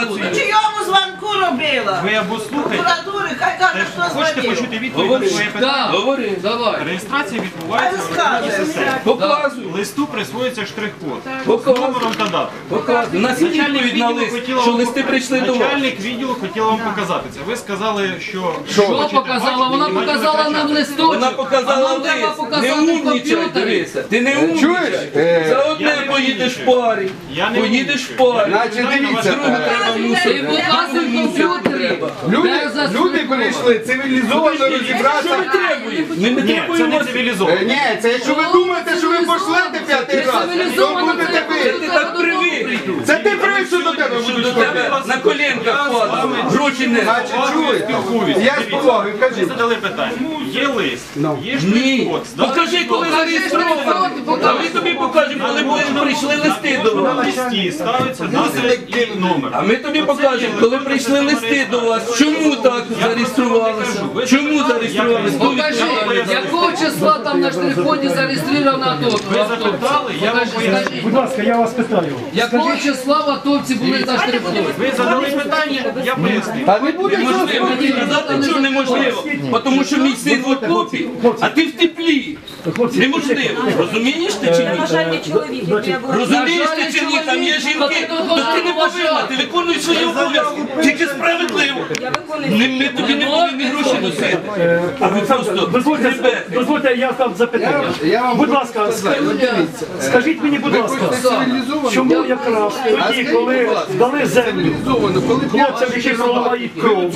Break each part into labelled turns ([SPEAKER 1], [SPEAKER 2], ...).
[SPEAKER 1] інформацію.
[SPEAKER 2] Чийому звонку робила?
[SPEAKER 3] Ви або слухайте,
[SPEAKER 2] Прокуратури, хай каже, хто
[SPEAKER 3] хочете
[SPEAKER 2] звонив.
[SPEAKER 3] почути відповідь на своє питання?
[SPEAKER 1] Говори, давай.
[SPEAKER 3] Реєстрація відбувається в електронній системі.
[SPEAKER 1] Показуй.
[SPEAKER 3] Листу присвоюється штрих-код з
[SPEAKER 1] Показуй.
[SPEAKER 3] номером та датою.
[SPEAKER 1] Показуй. У нас є відповідь на лист, що листи прийшли до вас.
[SPEAKER 3] Начальник відділу хотіла вам показати це. Ви сказали, що...
[SPEAKER 4] Що показала? Вона показала нам листочок.
[SPEAKER 1] Вона показала
[SPEAKER 4] А нам треба
[SPEAKER 1] лист. Не
[SPEAKER 4] показати в
[SPEAKER 1] умнічай,
[SPEAKER 4] комп'ютері.
[SPEAKER 1] дивися. Ти не умнічай. За одне поїдеш в парі. Поїдеш в парі.
[SPEAKER 5] Значить, дивіться,
[SPEAKER 1] Другу треба
[SPEAKER 4] Ти
[SPEAKER 1] мусити.
[SPEAKER 4] показуй в комп'ютері.
[SPEAKER 5] люди прийшли цивілізовано
[SPEAKER 1] Що
[SPEAKER 5] розібратися.
[SPEAKER 1] ми требуємо? Ми не
[SPEAKER 3] Ні, це
[SPEAKER 1] требуємо.
[SPEAKER 3] не цивілізовано.
[SPEAKER 5] Ні, це якщо ви думаєте, що ви пошлете п'ятий раз, то будете
[SPEAKER 1] Ти
[SPEAKER 5] ви.
[SPEAKER 1] так привик.
[SPEAKER 5] Це ти привик, що до тебе
[SPEAKER 1] Що
[SPEAKER 5] будуть
[SPEAKER 1] до тебе на коленках падали. Гроші не.
[SPEAKER 5] Значить, чуєте? Я з повагою,
[SPEAKER 3] Ви
[SPEAKER 5] кажіть.
[SPEAKER 3] задали питання. Є лист, є
[SPEAKER 1] Ні.
[SPEAKER 3] штрих-код. з датою.
[SPEAKER 1] Покажи, коли зареєстровано. А ми тобі покажемо, коли прийшли листи до
[SPEAKER 3] На
[SPEAKER 1] вас.
[SPEAKER 3] листі ставиться дата і номер.
[SPEAKER 1] А ми тобі покажемо, коли прийшли листи до вас. Чому так зареєструвалися? Чому зареєструвалися?
[SPEAKER 4] Покажи, якого числа там на штрих-коді зареєстровано АТО?
[SPEAKER 3] Ви запитали, я вам поясню.
[SPEAKER 6] Будь ласка, я вас питаю.
[SPEAKER 4] Якого числа в АТОвці були на штрих-коді?
[SPEAKER 3] Ви задали питання, я поясню.
[SPEAKER 5] Та не буде
[SPEAKER 1] Неможливо мені казати, що неможливо. Тому що мій син в окопі, а ти в теплі. Неможливо. Розумієш ти чи ні?
[SPEAKER 7] Бажальний чоловік, який я була.
[SPEAKER 1] Розумієш ти чи ні? Там є жінки, то ти не повинна, ти виконуєш свої обов'язки. Тільки справедливо.
[SPEAKER 7] Я виконую.
[SPEAKER 1] Ми тобі не повинні гроші носити. А ви просто
[SPEAKER 6] Дозвольте, я там запитання. Будь ласка, скажіть мені, будь ласка, чому якраз тоді, коли дали землю хлопцям, які проливають кров,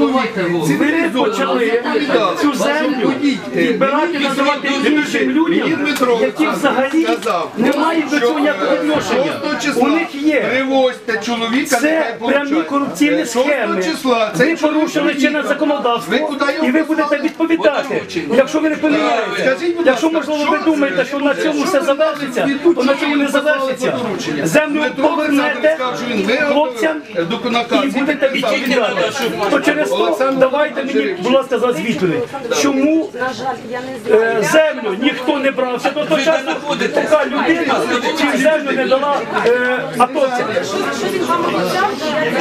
[SPEAKER 6] ви почали цю землю відбирати, називати іншим людям, які взагалі не мають до цього ніякого відношення. У них є.
[SPEAKER 5] Привозьте чоловіка,
[SPEAKER 6] Це прямі корупційні схеми. Ви порушили чинне законодавство, і ви будете відповідати. Якщо ви не поміняєте, якщо, можливо, ви думаєте, що на цьому все завершиться, то на цьому не завершиться. Землю повернете хлопцям і будете відповідати. То через то давайте мені, будь ласка, зараз відповідь. Чому
[SPEAKER 7] На жаль, я не знаю.
[SPEAKER 6] землю ніхто не брався до того часу, поки людина цю землю не дала атовцям?
[SPEAKER 7] Що він вам обіцяв,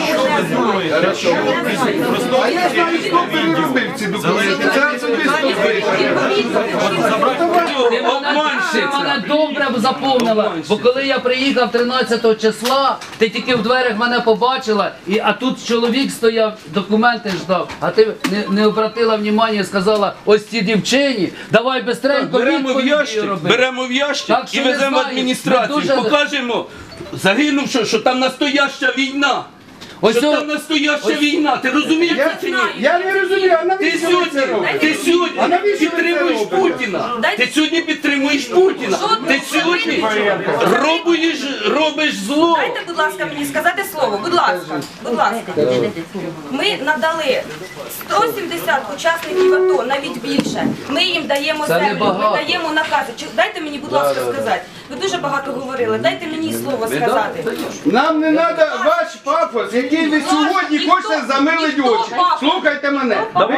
[SPEAKER 7] що я не знаю.
[SPEAKER 5] А я знаю, хто переробив ці документи. Це особисто ви.
[SPEAKER 4] Ти мене добре заповнила, бо коли я приїхав 13 числа, ти тільки в дверях мене побачила, а тут чоловік стояв, документи ждав, а ти не обратила увагу і сказала, ось ці дівчині, давай бистренько відповіді роби.
[SPEAKER 1] Беремо в ящик
[SPEAKER 4] Так
[SPEAKER 1] і
[SPEAKER 4] що не
[SPEAKER 1] веземо в
[SPEAKER 4] знаю,
[SPEAKER 1] адміністрацію.
[SPEAKER 4] ми дуже-
[SPEAKER 1] Покажемо загинувши, що там настояща війна.
[SPEAKER 4] Ось
[SPEAKER 1] Що
[SPEAKER 4] о-
[SPEAKER 1] там настояща війна. Ти розумієш це чи ні?
[SPEAKER 5] Я не розумію, а
[SPEAKER 1] Ти
[SPEAKER 5] навіщо ви
[SPEAKER 1] сьогодні,
[SPEAKER 5] це робите?
[SPEAKER 1] ти сьогодні
[SPEAKER 5] А навіщо ви це
[SPEAKER 1] підтримуєш
[SPEAKER 5] робите?
[SPEAKER 1] Путіна. Ти сьогодні підтримуєш Путіна. Ти сьогодні робиш зло.
[SPEAKER 7] Дайте, будь ласка, мені сказати слово. Будь ласка. Будь ласка. Ми надали 170 учасників АТО, навіть більше. Ми їм даємо
[SPEAKER 4] Це
[SPEAKER 7] землю,
[SPEAKER 4] небагато.
[SPEAKER 7] ми даємо накази. Дайте мені, будь ласка, сказати. Ви дуже багато говорили. Дайте мені слово сказати.
[SPEAKER 5] Нам не треба ваш пафос, який ви сьогодні хочете замилити очі. Слухайте мене.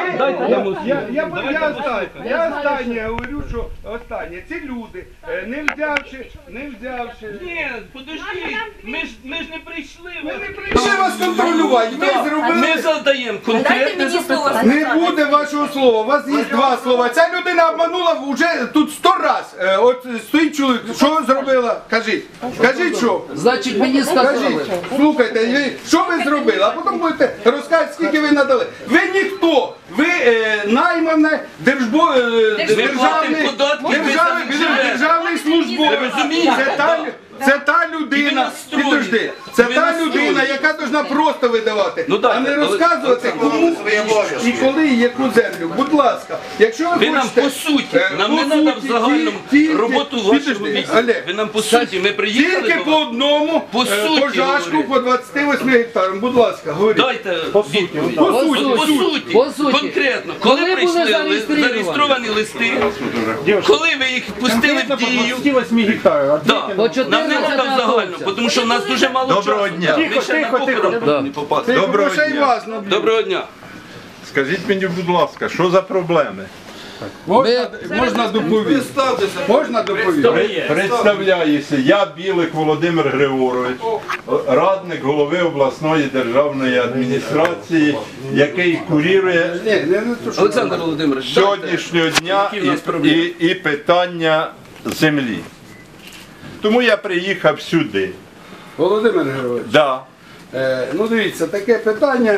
[SPEAKER 5] Я останнє говорю, що останнє. Ці люди, не взявши.
[SPEAKER 1] Ні, подожди, ми ж не прийшли.
[SPEAKER 5] Ще вас контролювати. Ви зробили.
[SPEAKER 1] Ми задаємо
[SPEAKER 7] Дайте
[SPEAKER 1] конкретне
[SPEAKER 7] мені слово
[SPEAKER 1] запитання.
[SPEAKER 5] Не
[SPEAKER 7] сказати.
[SPEAKER 5] буде вашого слова, у вас є два слова. Ця людина обманула вже тут 100 раз. От стоїть чоловік, що зробила? Кажіть. Кажіть, що?
[SPEAKER 4] Значить, мені
[SPEAKER 5] Кажіть,
[SPEAKER 4] сказали.
[SPEAKER 5] слухайте, що ви зробили, а потім будете розказувати, скільки ви надали. Ви ніхто, ви наймане
[SPEAKER 1] платимо податки,
[SPEAKER 5] державний службовець.
[SPEAKER 1] Ви розумієте?
[SPEAKER 5] Це та людина, підожди, це
[SPEAKER 1] Ви
[SPEAKER 5] та
[SPEAKER 1] настроєні.
[SPEAKER 5] людина, яка повинна просто видавати,
[SPEAKER 1] Ну, так,
[SPEAKER 5] а не
[SPEAKER 1] але-
[SPEAKER 5] розказувати, кому і коли і яку землю. Будь ласка, якщо ви
[SPEAKER 1] Ви нам
[SPEAKER 5] хочете...
[SPEAKER 1] по суті, нам не
[SPEAKER 5] по
[SPEAKER 1] треба в
[SPEAKER 5] суті,
[SPEAKER 1] загальному
[SPEAKER 5] тільки-
[SPEAKER 1] роботу вашого
[SPEAKER 5] підожди,
[SPEAKER 1] відділу.
[SPEAKER 5] Олег,
[SPEAKER 1] Ви нам по суті, ми приїхали
[SPEAKER 5] тільки
[SPEAKER 1] до
[SPEAKER 5] по
[SPEAKER 1] вас.
[SPEAKER 5] одному
[SPEAKER 1] По суті
[SPEAKER 5] пожашку
[SPEAKER 1] говорю.
[SPEAKER 5] по 28 гектарам. Будь ласка, говоріть.
[SPEAKER 1] Дайте відповідь.
[SPEAKER 5] По
[SPEAKER 4] По
[SPEAKER 5] суті.
[SPEAKER 4] суті. По суті.
[SPEAKER 1] Конкретно,
[SPEAKER 4] Коли
[SPEAKER 1] коли
[SPEAKER 4] були
[SPEAKER 1] прийшли
[SPEAKER 4] зареєстровані?
[SPEAKER 1] зареєстровані листи, коли ви їх пустили в дію,
[SPEAKER 6] 28 гектарів.
[SPEAKER 1] да,
[SPEAKER 4] По
[SPEAKER 1] нам не
[SPEAKER 4] 14
[SPEAKER 1] треба в загальному, тому що в нас дуже мало часу.
[SPEAKER 8] Доброго дня.
[SPEAKER 1] Ми ще на похорон не попали.
[SPEAKER 5] Тихо,
[SPEAKER 8] Доброго
[SPEAKER 5] грошей
[SPEAKER 8] дня.
[SPEAKER 5] важно.
[SPEAKER 1] Доброго дня.
[SPEAKER 8] Скажіть мені, будь ласка, що за проблеми?
[SPEAKER 5] Можна доповісти? Можна доповісти?
[SPEAKER 8] Представляюся, я Білик Володимир Григорович, радник голови обласної державної адміністрації, який курірує
[SPEAKER 1] Олександр Володимирович,
[SPEAKER 8] сьогоднішнього дня
[SPEAKER 1] які в нас проблеми?
[SPEAKER 8] і питання землі. Тому я приїхав сюди.
[SPEAKER 5] Володимир Григорович,
[SPEAKER 8] Да.
[SPEAKER 5] ну дивіться, таке питання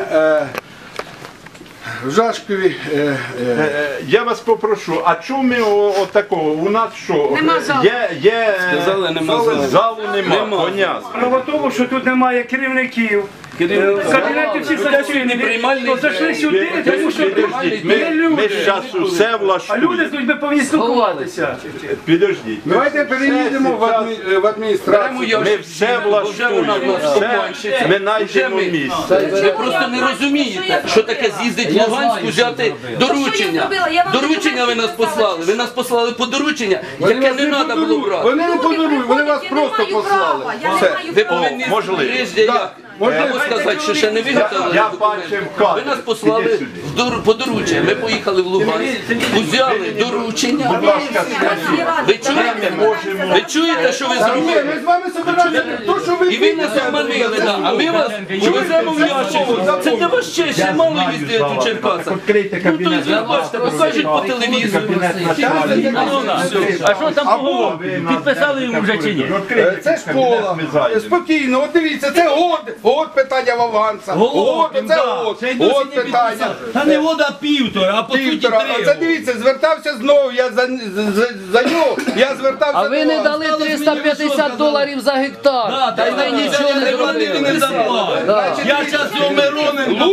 [SPEAKER 5] в Жашкові.
[SPEAKER 8] Я вас попрошу, а чому ми отакого? У нас що?
[SPEAKER 7] Нема залу.
[SPEAKER 8] Є
[SPEAKER 1] Сказали, нема залу.
[SPEAKER 8] залу нема, понятно.
[SPEAKER 6] Справа в тому, що тут немає керівників. Кабінети всі зачинені.
[SPEAKER 1] приймальний
[SPEAKER 6] То зайшли сюди, тому що
[SPEAKER 8] Підождіть,
[SPEAKER 6] є
[SPEAKER 8] ми
[SPEAKER 6] люди.
[SPEAKER 8] зараз усе
[SPEAKER 6] А люди з
[SPEAKER 8] влаштуємо.
[SPEAKER 6] людьми повинні спілкуватися.
[SPEAKER 8] Підождіть.
[SPEAKER 5] Давайте переїдемо в адміністрацію.
[SPEAKER 8] Ми все влаштуємо. Все, ми знайдемо місце.
[SPEAKER 1] Ви просто не розумієте, що таке з'їздить в
[SPEAKER 4] Я
[SPEAKER 1] Луганську,
[SPEAKER 4] знаю,
[SPEAKER 1] взяти
[SPEAKER 4] що зробили.
[SPEAKER 1] доручення.
[SPEAKER 7] Та що я зробила? Я вам
[SPEAKER 1] Доручення ви нас
[SPEAKER 7] документи
[SPEAKER 1] послали.
[SPEAKER 7] показала.
[SPEAKER 1] Ви нас послали по доручення,
[SPEAKER 5] Вони
[SPEAKER 1] яке
[SPEAKER 5] вас
[SPEAKER 1] не треба було
[SPEAKER 5] подарують.
[SPEAKER 1] брати.
[SPEAKER 5] Вони не подарують, вони вас
[SPEAKER 7] Я
[SPEAKER 5] просто
[SPEAKER 7] не маю
[SPEAKER 5] послали.
[SPEAKER 7] права, я не
[SPEAKER 5] Все.
[SPEAKER 7] маю
[SPEAKER 1] Ви
[SPEAKER 7] права.
[SPEAKER 1] повинні
[SPEAKER 8] можливо.
[SPEAKER 1] прежде як.
[SPEAKER 5] Можливо.
[SPEAKER 1] Можу сказати, що ще не виготовили
[SPEAKER 8] Я
[SPEAKER 1] документи.
[SPEAKER 8] бачив кадр.
[SPEAKER 1] Ви нас послали
[SPEAKER 8] Іди сюди.
[SPEAKER 1] по доручення. Ми поїхали в Луганськ, взяли доручення.
[SPEAKER 8] Будь ласка,
[SPEAKER 1] Ви чуєте? Ви чуєте, що ви
[SPEAKER 5] Ні,
[SPEAKER 1] зробили?
[SPEAKER 5] ми з вами собираємося. То, що ви
[SPEAKER 1] І ви нас обманили, да. А ми вас веземо в ящику. Це для вас честь, ще мало їздити у Черкасах. Ну, то ви бачите, покажуть по телевізору.
[SPEAKER 9] А що там поговорили? Підписали йому вже чи ні?
[SPEAKER 5] Це школа. Спокійно, от дивіться, це год питання в Афганця. Год, це год питання.
[SPEAKER 9] Та не вода півтора, а по суті
[SPEAKER 5] Півтора. А це дивіться, звертався знову, я за нього, я звертався
[SPEAKER 4] А ви не дали $350 за гектар. Та й ви нічого не зробили.
[SPEAKER 9] Я зараз його Мироненко.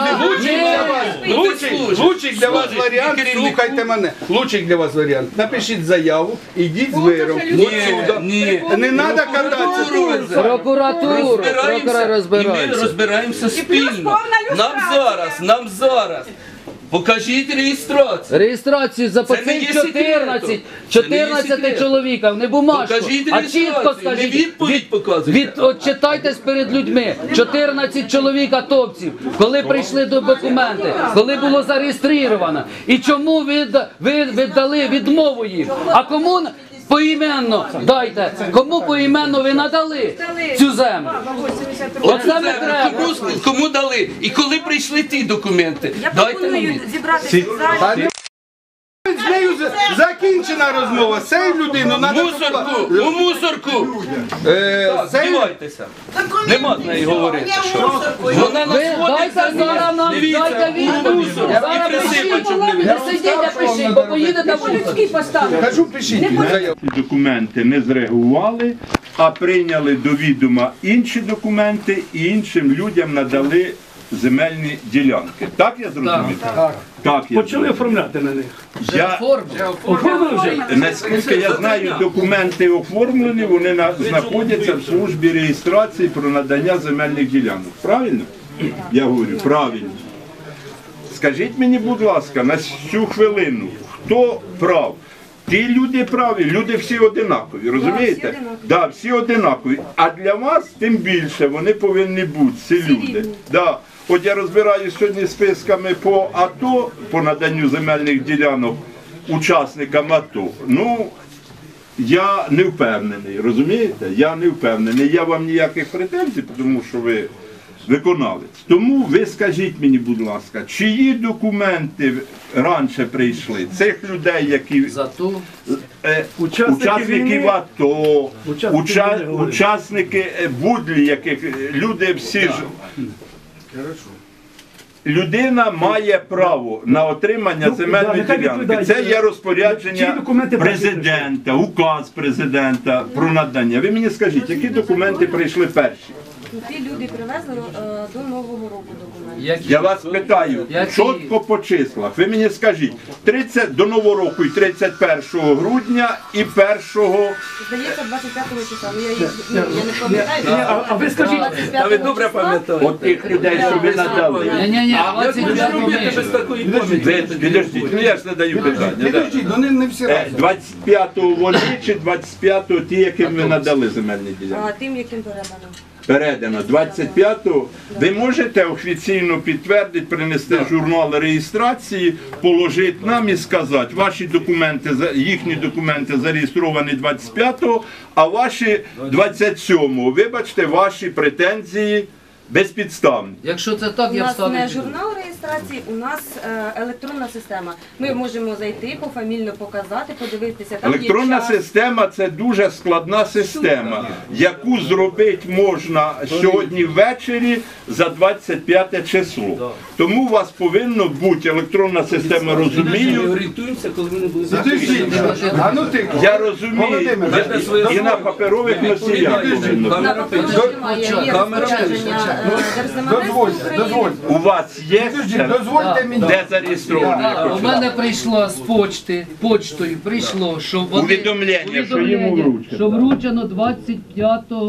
[SPEAKER 5] Лучик для вас варіант, слухайте мене. Лучик для вас варіант. Напишіть заяву, ідіть з виром.
[SPEAKER 1] Ні.
[SPEAKER 5] Не треба кататися.
[SPEAKER 4] Прокуратуру, прокурор
[SPEAKER 1] І ми
[SPEAKER 4] розбирається.
[SPEAKER 1] розбираємося спільно. Нам зараз. Покажіть реєстрацію.
[SPEAKER 4] Реєстрацію за
[SPEAKER 1] Це не є
[SPEAKER 4] 14,
[SPEAKER 1] секретом.
[SPEAKER 4] 14 чоловіків, не бумажку,
[SPEAKER 1] Покажіть
[SPEAKER 4] а
[SPEAKER 1] реєстрацію,
[SPEAKER 4] чітко
[SPEAKER 1] не
[SPEAKER 4] скажіть,
[SPEAKER 1] відповідь показуйте.
[SPEAKER 4] отчитайтесь перед людьми. 14 чоловік атовців, коли прийшли до документи, коли було зареєстровано. І чому ви віддали відмову їм? А кому поіменно дайте, кому поіменно ви надали цю землю? Оце не треба.
[SPEAKER 1] Кому дали? І коли прийшли ті документи?
[SPEAKER 7] Я
[SPEAKER 1] Дайте
[SPEAKER 7] пропоную
[SPEAKER 1] мені.
[SPEAKER 7] зібратися в залі.
[SPEAKER 5] З нею закінчена розмова. З цією людиною треба...
[SPEAKER 1] У мусорку! Співайтеся. Нема з нею говорити. Вона нас
[SPEAKER 4] Ви
[SPEAKER 1] водить
[SPEAKER 4] дайте зараз нам, дайте відповідь. Зараз пишіть, не сидіть, а пишіть, бо поїдете в мусор.
[SPEAKER 5] Кажу, пишіть заяву.
[SPEAKER 8] Ці документи не зреагували, а прийняли до відома інші документи і іншим людям надали земельні ділянки. Так я зрозумів? Так. я
[SPEAKER 6] Почали
[SPEAKER 8] зрозумів.
[SPEAKER 6] оформляти на них.
[SPEAKER 8] Я,
[SPEAKER 6] Оформили вже?
[SPEAKER 8] наскільки я знаю, документи оформлені, вони знаходяться в службі реєстрації про надання земельних ділянок. Правильно? Я говорю, правильно. Скажіть мені, будь ласка, на цю хвилину, хто прав? Ті люди праві, люди всі одинакові, розумієте? Так, всі одинакові. А для вас тим більше вони повинні бути, ці люди. Да. От я розбираюся сьогодні списками по АТО, по наданню земельних ділянок учасникам АТО. Ну, я не впевнений, розумієте? Я не впевнений. Я вам ніяких претензій, тому що ви виконавець. Тому ви скажіть мені, будь ласка, чиї документи раніше прийшли? Цих людей, які учасників АТО, учасники будлі, яких люди всі ж. Людина має право на отримання земельної ділянки. Це є розпорядження президента, указ президента про надання. Ви мені скажіть, які документи прийшли перші?
[SPEAKER 7] Ті люди привезли до Нового року документи.
[SPEAKER 8] Я вас питаю, чітко по числах. Ви мені скажіть, 30 до Нового року і 31 грудня і 1
[SPEAKER 7] Здається, 25 числа. Я не пам'ятаю.
[SPEAKER 6] А ви скажіть,
[SPEAKER 1] Та ви добре пам'ятаєте.
[SPEAKER 8] от тих людей, що ви надали.
[SPEAKER 4] Ні,
[SPEAKER 1] Без такої пам'яті.
[SPEAKER 8] Підождіть, ну я ж не даю питання. да.
[SPEAKER 5] Підождіть, ну не всі разом.
[SPEAKER 8] 25-го вони чи 25-го ті, яким ви надали земельні ділянки?
[SPEAKER 7] Тим, яким передано.
[SPEAKER 8] передано 25-го, ви можете офіційно підтвердити, принести журнал реєстрації, положити нам і сказати, ваші документи, їхні документи зареєстровані 25-го, а ваші 27-го. Вибачте, ваші претензії безпідставні.
[SPEAKER 4] Якщо це так,
[SPEAKER 7] У
[SPEAKER 4] я
[SPEAKER 7] нас
[SPEAKER 4] встану.
[SPEAKER 7] не журнал реєстрації, у нас електронна система. Ми можемо зайти, пофамільно показати, подивитися. Там є
[SPEAKER 8] Електронна
[SPEAKER 7] час.
[SPEAKER 8] система – це дуже складна система, яку зробити можна сьогодні ввечері за 25 число. Тому у вас повинна бути електронна система,
[SPEAKER 1] Ми
[SPEAKER 8] розумію.
[SPEAKER 1] орієнтуємося, коли вони будуть.
[SPEAKER 5] А ну ти,
[SPEAKER 8] Я розумію,
[SPEAKER 5] Володимир,
[SPEAKER 8] і на паперових носіях повинно бути.
[SPEAKER 7] На папері немає, є розпорядження Держземельної
[SPEAKER 5] дозвольте.
[SPEAKER 8] У вас є це?
[SPEAKER 5] Дозвольте мені.
[SPEAKER 8] Де зареєстровано?
[SPEAKER 4] У мене прийшло з почтою, прийшло, що вони
[SPEAKER 8] Повідомлення, що йому вручено.
[SPEAKER 4] що вручено 25